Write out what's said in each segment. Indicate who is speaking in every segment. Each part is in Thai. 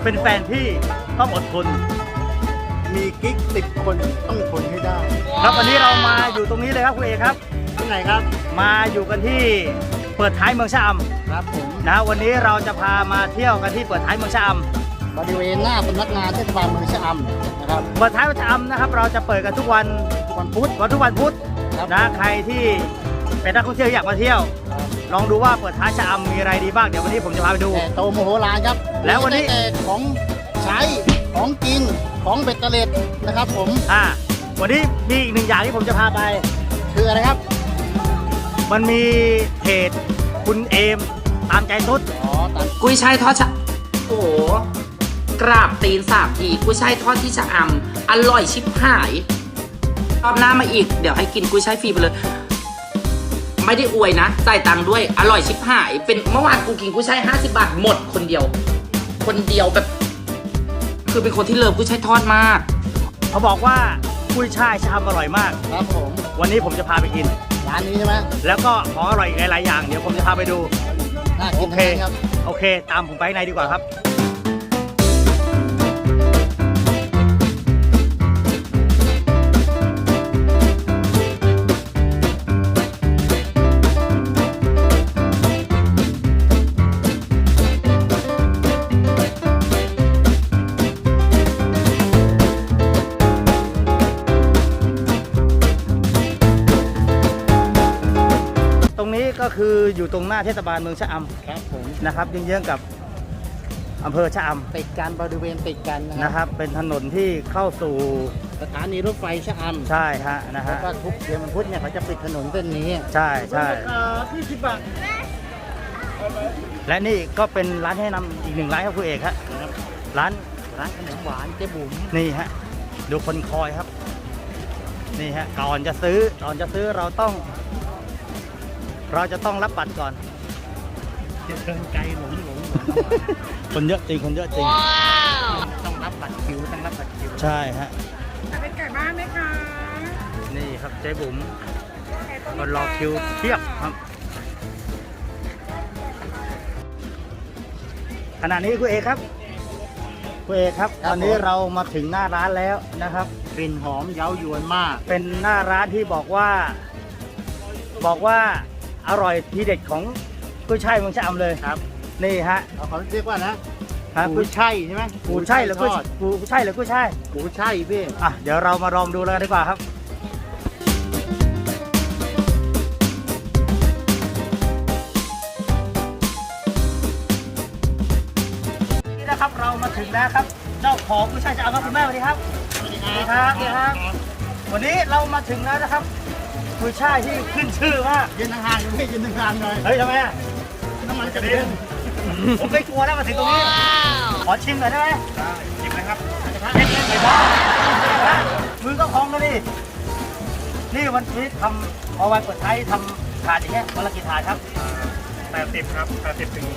Speaker 1: เป็นแฟนพี่ต้องอดทน
Speaker 2: มีกิ๊ก10 คนต้องทนให้ได้
Speaker 1: ครับวันนี้เรามาอยู่ตรงนี้เลยครับคุณเอกครับ
Speaker 2: ที่ไหนครับ
Speaker 1: มาอยู่กันที่เปิดท้ายเมืองชะอำ
Speaker 2: ครับผม
Speaker 1: นะวันนี้เราจะพามาเที่ยวกันที่เปิดท้ายเมืองชะอำ
Speaker 2: บริเวณหน้าสำนักงานเทศบาลเมืองชะอำนะครับ
Speaker 1: เปิดท้ายเมืองชะอำนะครับเราจะเปิดกันทุกวัน
Speaker 2: พุธ
Speaker 1: ทุกวันพุธนะใครที่เป็นนักท่องเที่ยวอยากมาเที่ยวลองดูว่าเปิดท้ายชะอำมีอะไรดีบ้างเดี๋ยววันนี้ผมจะพาไปดู
Speaker 2: โตโมโหลานครับ
Speaker 1: แล้ววันนี้
Speaker 2: ของใช้ของกินของเบ็ดเตล็ดนะครับผม
Speaker 1: วันนี้มีอีกหนึ่งอย่างที่ผมจะพาไป
Speaker 2: คืออะไรครับ
Speaker 1: มันมีเพจคุณเอมตามใจสุด
Speaker 3: กุ้ยช่ายทอดชะโอ้โหกราบตีน3 ทีกุ้ยช่ายทอดที่ชะอำอร่อยชิบหายรอบหน้ามาอีกเดี๋ยวให้กินกุ้ยช่ายฟรีไปเลยไม่ได้อวยนะจ่ายตังค์ด้วยอร่อยชิบหายเป็นเมื่อวานกูกินกุ้ยช่าย50 บาทหมดคนเดียวแบบคือเป็นคนที่เลิฟกุ้ยช่ายทอดมาก
Speaker 1: เขาบอกว่ากุ้ยช่ายชะอำอร่อยมาก
Speaker 2: ครับผม
Speaker 1: วันนี้ผมจะพาไปกิน
Speaker 2: ร้านนี้ใช่ไหม
Speaker 1: แล้วก็ของอร่อยอีกหลายๆอย่างเดี๋ยวผมจะพาไปดู
Speaker 2: น่ากินครับ
Speaker 1: โอเคตามผมไปในดีกว่าครับตรงนี้ก็คืออยู่ตรงหน้าเทศบาลเมืองชะอำ
Speaker 2: ครับผม
Speaker 1: นะครับเยื้องๆกับอำเภอชะอำ
Speaker 2: ติดกันบริเวณติดกัน
Speaker 1: นะครับเป็นถนนที่เข้าสู่
Speaker 2: สถานีรถไฟชะอำ
Speaker 1: ใช่ฮะนะฮะ
Speaker 2: แล้วก็ทุกเดือนวันพุธเนี่ยเขาจะปิดถนนเส้นนี้
Speaker 1: ใช่20 บาทและนี่ก็เป็นร้านให้นำอีกหนึ่งร้านครับคุณเอกครับร้าน
Speaker 2: ขนมหวานเจ๊บุ๋ม
Speaker 1: นี่ฮะดูคนคอยครับนี่ฮะก่อนจะซื้อเราจะต้องรับบัตรก่อน
Speaker 2: เดินไกลหลง
Speaker 1: คนเยอะจริง
Speaker 2: ต้องรับบัตรคิว
Speaker 1: ใช่ฮะ
Speaker 4: เป็นไก่บ้านไหมคะ
Speaker 1: นี่ครับเจ๊บุ๋มก็รอคิวเทียบครับขณะนี้คุณเอกครับตอนนี้เรามาถึงหน้าร้านแล้วนะครับ
Speaker 2: กลิ่นหอมเย้ายวนมาก
Speaker 1: เป็นหน้าร้านที่บอกว่าอร่อยทีเด็ดของกุ้ยช่ายเมืองชะอำเลย
Speaker 2: ครับ
Speaker 1: นี่ฮะ
Speaker 2: เขาเรียกว่านะกุ้ยช่ายใช่ไหม
Speaker 1: กุ้ยช่ายหรือกุ้ยช่ายกุ้ยช่
Speaker 2: ายพี่
Speaker 1: เดี๋ยวเรามาลองดูเลยดีกว่าครับนี่นะครับเรามาถึงแล้วครับเจ้าของกุ้ยช่ายชะอำครับคุณแม่สวัสดีครับสวัสดีครับวันนี้เรามาถึงแล้วนะครับกุ้ยช่ายที่ขึ้นชื่อมาก
Speaker 2: ยืนห่างๆไม่ยืนห่างๆหน่อย
Speaker 1: เฮ้ยทำไม
Speaker 2: น้ำมันกระเด็น
Speaker 1: ผมไม่กลัวแล้วมาถึงตรงนี้ขอชิมหน่อยได้ไหม
Speaker 2: ชิมเลยครับ
Speaker 1: เด็ดๆเลยบ้ามือก็พองแล้วดินี่วันนี้ทำเอาไว้เปิดท้ายทำถาดอย่างเงี้ยวันละกี่ถาดครับ
Speaker 2: 80ครับ80 ถึง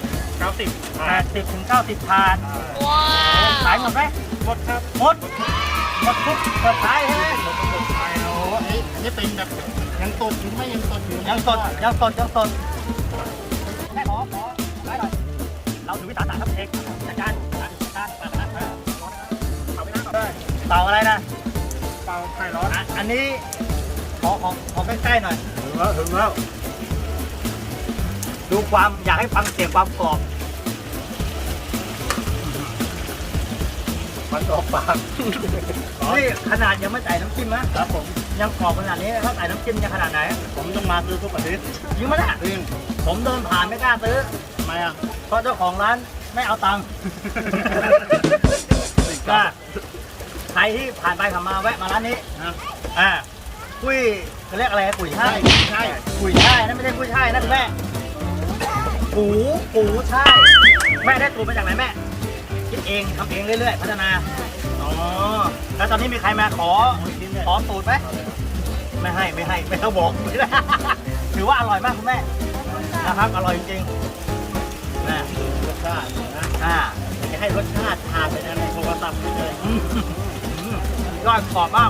Speaker 1: 90ถาดขายหมดไหม
Speaker 2: หมดครับ
Speaker 1: หมดทุกเปิดท้ายใช่ไหม
Speaker 2: โอ้นี่เป็นแบบยังสดอยู่ไหมยังสด
Speaker 1: แม่ขอได้หน่อยเราถือวิสาสะครับเอกจัดการเต่าอะไรนะ
Speaker 2: เต่าไข่ร้อน
Speaker 1: อันนี้ขอใกล้ๆหน่อย
Speaker 2: ถึงแล้ว
Speaker 1: ดูความอยากให้ฟังเสียงความกรอบ
Speaker 2: มันออกปาก
Speaker 1: นี่ขนาดยังไม่ใส่น้ำจิ้มนะครับผมยังกรอบขนาดนี้ถ้าใส่น้ำจิ้มจะขนาดไหน
Speaker 2: ผมต้องมาซื้อทุกอาทิตย์
Speaker 1: ยิ่งมาเนี่ยผมเดินผ่านไม่กล้าซื้อ
Speaker 2: ทำไม
Speaker 1: เพราะเจ้าของร้านไม่เอาตังค์ใครที่ผ่านไปผ่านมาแวะมาร้านนี้กุ้ยเขาเรียกอะไรกุ้ยช่ายนั่นไม่ใช่กุ้ยช่ายนะคุณแม่ปูช่ายแม่ได้สูตรมาจากไหนแม่คิดเองทำเองเรื่อยๆพัฒนาแล้วตอนนี้มีใครมาขอสูตรไหมไม่ให้ไม่ต้องบอกถือว่าอร่อยมากคุณแม่นะครับอร่อยจริงๆนะ
Speaker 2: รสชาตินะจะให้รสชาติทานไปในโทรศัพท์เลย
Speaker 1: ยอดขอบมาก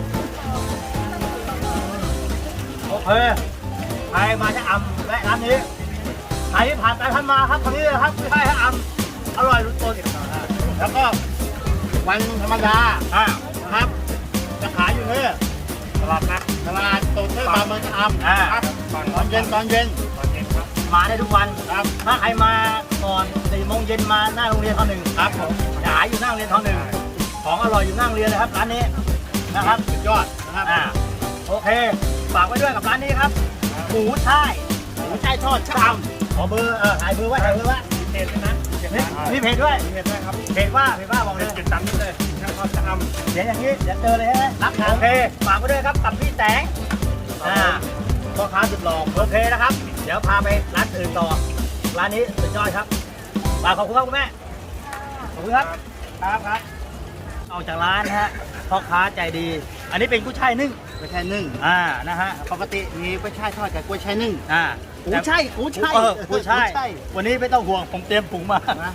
Speaker 1: โอเคใครมาจะอำและร้านนี้ใครที่ผ่านไปผ่านมาครับคนนี้เลยครับไม่ใช่ฮะอำอร่อยรุ่นโต
Speaker 2: แล้วก็วันธรรมดา
Speaker 1: อ่า
Speaker 2: นะครับจะขายอยู่เนี่ยตลาดนัดตลาดสดเทศบาลเมืองชะอำ
Speaker 1: อ่า
Speaker 2: ครับตอนเย็นครับ
Speaker 1: มาได้ทุกวัน
Speaker 2: ครับ
Speaker 1: ถ้าใครมาก่อน4 โมงเย็นมาหน้าโรงเรียนท.1
Speaker 2: ครับผม
Speaker 1: ขายอยู่หน้าโรงเรียนท.1 ของอร่อยอยู่หน้าโรงเรียนเลยครับร้านนี้นะครับ
Speaker 2: สุดยอดนะครับ
Speaker 1: โอเคฝากไว้ด้วยกับร้านนี้ครับหมูช่ายทอดชามขอเบอร์ถ่ายเบอร์ไว้
Speaker 2: เพจนะ
Speaker 1: มีเพจด้วย
Speaker 2: เพจด้วยครับ
Speaker 1: เพจว่าบอกเลย
Speaker 2: ติดตามนี้เลยช่างทอดชะอำ
Speaker 1: เดี๋ยวอย่างนี้เดี๋ยวเจอเลยใช่ไหมรับโอเคฝากไว้ด้วยครับกับพี่แตงพ่อค้าสุดหล่อโอเคนะครับ เดี๋ยวพาไปร้านอื่นต่อร้านนี้สุดยอดครับฝากขอบคุณครับคุณแม่ขอบคุณครับครับออกจากร้านนะฮะพ่อค้าใจดี อันนี้เป็นกุ้ยช่ายนึ่ง
Speaker 2: กล้วยช่ายนึ่ง
Speaker 1: นะฮะ
Speaker 2: ปกติมีกล้วยช่ายทอดกับกล้วยช่ายนึ่ง
Speaker 1: กุ้ยช่ายกุ้ยช่ายวันนี้ไม่ต้องห่วงผมเตรียมถุงมา
Speaker 2: นะ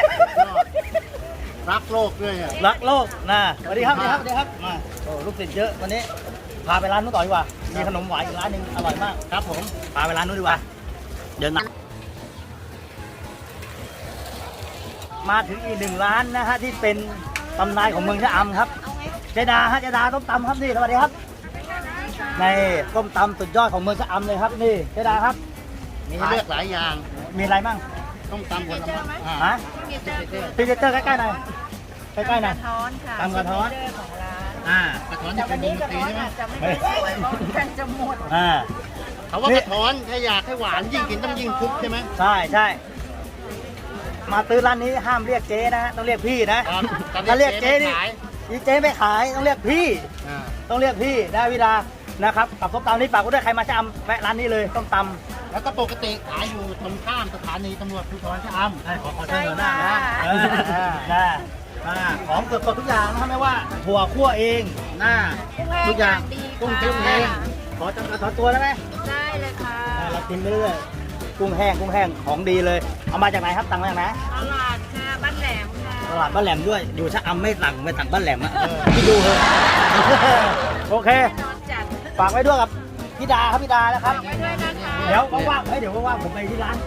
Speaker 2: รักโลกด้วยอ่ะ
Speaker 1: รักโลกนะสวัสดีครับมาโอ้ลูกศิษย์เยอะวันนี้พาไปร้านนู้นต่อดีกว่ามีขนมหวานอีกร้านหนึ่งอร่อยมากครับผมพาไปร้านนู้นดีกว่าเดินมาถึงอีก1 ร้านนะฮะที่เป็นตำนานของเมืองชะอำครับเจดาต้มตำครับนี่สวัสดีครับในต้มตำสุดยอดของเมืองชะอำเลยครับนี่เจดาครับ
Speaker 2: มีให้เลือกหลายอย่าง
Speaker 1: มีอะไรบ้าง
Speaker 2: ต้องตำผลไม้
Speaker 1: ฮะพรีเซนเตอร์ใกล้ๆหน่อยใกล้ๆหน่อย
Speaker 4: ท้อนค่ะ
Speaker 1: ตำกระท้อน
Speaker 4: ของร้าน
Speaker 2: กระท้อนจะเป็นวงดนตรีใช่ไหม
Speaker 4: จะไม่ได้สวยเพราะกันจะหมด
Speaker 2: เขาว่ากระท้อนถ้าอยากให้หวานยิ่งกินต้องยิ่งทุบใช่ไหม
Speaker 1: ใช่มาซื้อร้านนี้ห้ามเรียกเจ๊นะฮะต้องเรียกพี่นะครับ ถ้าเรียกเจ๊นี่เจ๊ไม่ขายต้องเรียกพี่ ต้องเรียกพี่ได้วิดานะครับกับส้มตำนี่ฝากไว้ด้วยใครมาชะอำแวะร้านนี้เลยส้มตำ
Speaker 2: แล้วก็ปกติขายอยู่ตรงข้ามสถานีตำรวจภูธรชะอำ
Speaker 1: ขอเชิญหน้านะของสดทุกอย่างนะครับไม่ว่าถั่วคั่วเองทุกอย่างกุ้งจิ้มเองขอตัวได้ไหม
Speaker 4: ได้เลยค่ะ
Speaker 1: เรากินไปเรื่อยกุ้งแห้งของดีเลยเอามาจากไหนครับตังมาจากไหน
Speaker 4: ตลาดค่ะบ้านแหลมค่ะ
Speaker 1: ตลาดบ้านแหลมด้วยอยู่ชะอำไม่สั่งบ้านแหลมอ่ะพี่ดูเลยโอเค
Speaker 4: นอนจัด
Speaker 1: ฝากไว้ด้วยกับพี่ดาครับนะครับ
Speaker 4: ไว้ด้วยนะคะ
Speaker 1: เดี๋ยวว่างๆผมไปที่ร้าน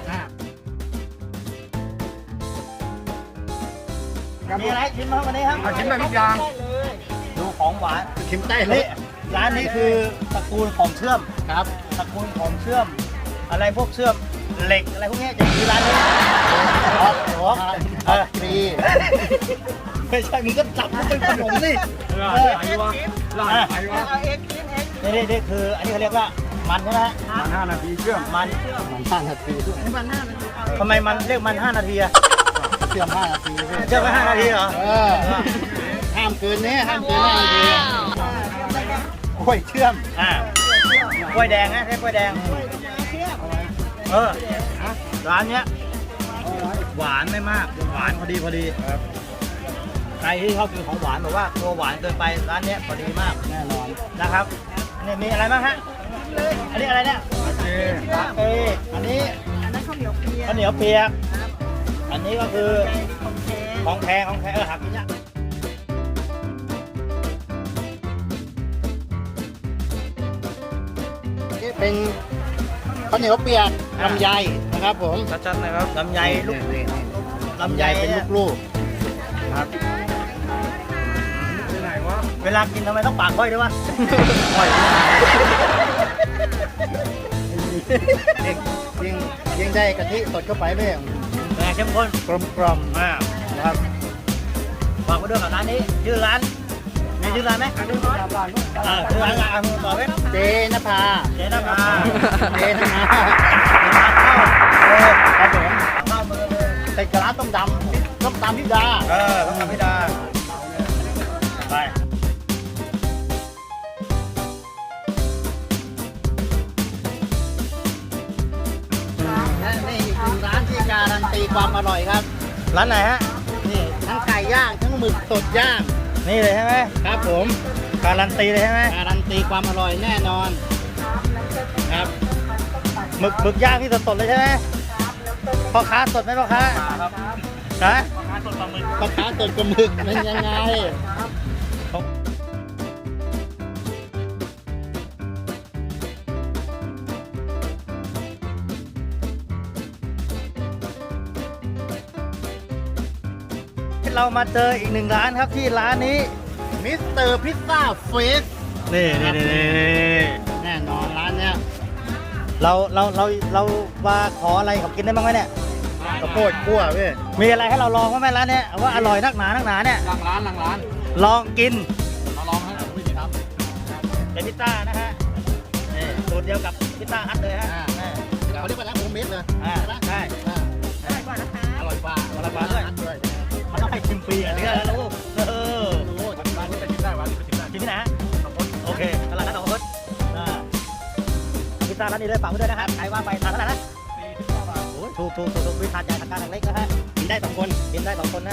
Speaker 1: มีอะไรชิมบ้างวันนี้ครับ
Speaker 2: ชิมได้ทุกอย่าง
Speaker 1: ดูของหวาน
Speaker 2: ชิมได้เล
Speaker 1: นี่
Speaker 2: ย
Speaker 1: ร้านนี้คือตระกูลของเชื่อม
Speaker 2: ครับ
Speaker 1: ตระกูลของเชื่อม อะไรพวกเชื่อมเหล็กอะไรพวกนี้จะอยู่ร้านนี้
Speaker 2: ฟรี
Speaker 1: ไม่ใช่มึงก็จับมันเป็นขนมนี่นี่คืออันนี้เขาเรียกว่ามันใช่ไหม
Speaker 2: มัน5 นาทีเชื่อม
Speaker 1: มัน
Speaker 2: 5 นาที
Speaker 1: ทำไมมันเรียกมัน5 นาทีอะ
Speaker 2: เชื่อม5 นาที
Speaker 1: เชื่อมไป5 นาทีเหรอ
Speaker 2: ห้ามเกินนี้ห้ามเกิน5 นาทีกล้วยเชื่อม
Speaker 1: กล้วยแดงนะใช่กล้วยแดงร้านเนี้ยหวานไม่มากหวานพอดีใครที่ชอบกินของหวานบอกว่าตัวหวานเกินไปร้านเนี้ยพอดีมาก
Speaker 2: แน่นอน
Speaker 1: นะครับนี่มีอะไรบ้างฮะอันนี้อะไรเนี่ยอันนี้
Speaker 4: อันนั้นข้าวเหนียวเปียก
Speaker 1: ข้าวเหนียวเปียกอันนี้ก็คือ
Speaker 4: ของแท้
Speaker 1: ของแท้หากินยาก
Speaker 2: นี่เป็นข้าวเหนียวเปียกลำไยนะครับผม
Speaker 1: ชัดๆนะครับลำไยลูกลำไย
Speaker 2: เป็น
Speaker 1: เนี่ย
Speaker 2: ลูกๆครับ
Speaker 1: เวลากินทำไมต้องปากค่อยด้วยวะค่อย
Speaker 2: ยิ่งได้กะทิสดเข้าไปด้วย
Speaker 1: แต่เข้มข้น
Speaker 2: กลม
Speaker 1: มากนะครับฝากไว้ด้วยกับร้านนี้ชื่อร้านมีชื่อร้านไหมชื่อร้านต่อไหม
Speaker 2: ๆเจนภา
Speaker 1: เจนภา
Speaker 2: เจนภา
Speaker 1: ครับผมเข้ามือเลย
Speaker 2: ติดกับร้านต้มตำพิดา
Speaker 1: ต้องทำให้ได้ไป
Speaker 2: และนี่อีกหนึ่งร้านที่การันตีความอร่อยครับ
Speaker 1: ร้านไหนฮะ
Speaker 2: นี่ทั้งไก่ย่างทั้งหมึกสดย่าง
Speaker 1: นี่เลยใช่ไหม
Speaker 2: ครับผม
Speaker 1: การันตีเลยใช่ไหม
Speaker 2: การันตีความอร่อยแน่นอนครับ
Speaker 1: หมึกย่างที่สดๆเลยใช่ไหมพ่อค้าสดไหมพ่อค้าครับนะ
Speaker 2: ปลาค้าสดกับหมึกเป็นยังไง
Speaker 1: เรามาเจออีกหนึ่งร้านครับที่ร้านนี้
Speaker 2: มิสเตอร์พิซซ่าเฟส
Speaker 1: นี่
Speaker 2: แน่นอนร้านเนี้ย
Speaker 1: เรามาขออะไรเขากินได้บ้างไหมเนี่ย
Speaker 2: ข้าวโพดคั่วพี่
Speaker 1: มีอะไรให้เราลองบ้างไหมร้านเนี้ยว่าอร่อยนักหนาเนี่ย
Speaker 2: หลังร้าน
Speaker 1: ลองกิน
Speaker 2: มาลองให้ผมดีครับ
Speaker 1: เป็นพิซซ่านะฮะนี่สูตรเดียวกับพิซซ่าฮัทเลยฮะ
Speaker 2: เขาเรียกว่าร้านโฮมเมดเลย
Speaker 1: ใช่
Speaker 4: อร่อยกว่านะคะ
Speaker 2: อร่อยกว่า
Speaker 1: อร่อยกว่าด้วย มันต้องให้ชิมฟรีอ่ะนี่ก็รู้ร้านนี้ไปชิมได้ชิมที่ไหนฮะโอเคตลาดนัดหนองคดพิซซ่าร้านนี้เลยฝากไว้ด้วยนะครับใครว่าไปทานเท่าไหร่นะโอ้ยถูกวิทานใหญ่ทานกลางเล็กนะฮะกินได้2 คนกินได้2 คนนะ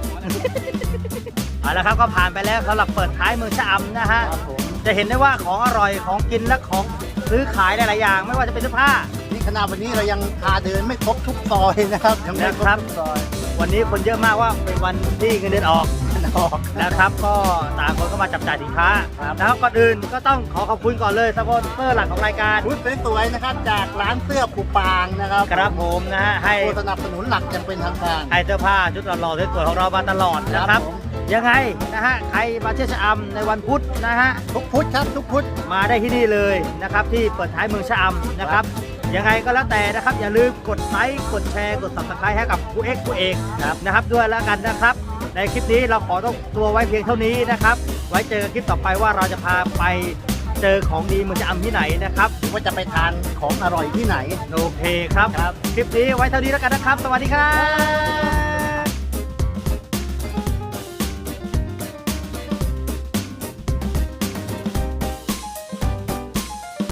Speaker 1: เอาละครับก็ผ่านไปแล้วสำหรับเปิดท้ายเมืองชะอำนะฮะ
Speaker 2: ครับผม
Speaker 1: จะเห็นได้ว่าของอร่อยของกินและของซื้อขายหลายๆอย่าง ไม่ว่าจะเป็นเสื้อผ้า
Speaker 2: นี่ขนาดวันนี้เรายังพาเดินไม่ครบทุกซอยนะครับยังไม่ครบทุกซอย
Speaker 1: วันนี้คนเยอะมากว่าเป็นวันที่เงินเดือนออก
Speaker 2: ออก
Speaker 1: นะครับก็ต่างคนก็มาจับจ่ายสินค้านะครับก่อนอื่นก็ต้องขอขอบคุณก่อนเลยสปอนเซอร์หลักของรายการ
Speaker 2: ชุดสวยๆนะครับจากร้านเสื้อผูปางนะครับ
Speaker 1: ครับผมนะฮะให้
Speaker 2: ผู้สนับสนุนหลักยังเป็นทางการ
Speaker 1: ให้เสื้อผ้าชุดหล่อๆสวยๆของเรามาตลอดนะครับ
Speaker 2: ผม
Speaker 1: ยังไงนะฮะใครมาเที่ยวชะอำในวันพุธนะฮะ
Speaker 2: ทุกพุธครับทุกพุธ
Speaker 1: มาได้ที่นี่เลยนะครับที่เปิดท้ายเมืองชะอำนะครับยังไงก็แล้วแต่นะครับอย่าลืมกดไลค์กดแชร์กด subscribe ให้กับผู้เอกนะครับด้วยแล้วกันนะครับ ในคลิปนี้เราขอต้องตัวไว้เพียงเท่านี้นะครับ ไว้เจอกันคลิปต่อไปว่าเราจะพาไปเจอของดีเมืองชะอำที่ไหนนะครับ
Speaker 2: ว่าจะไปทานของอร่อยที่ไหน
Speaker 1: โอเคครับ คลิปนี้ไว้เท่านี้แล้วกันนะครับ สวัสดีครับ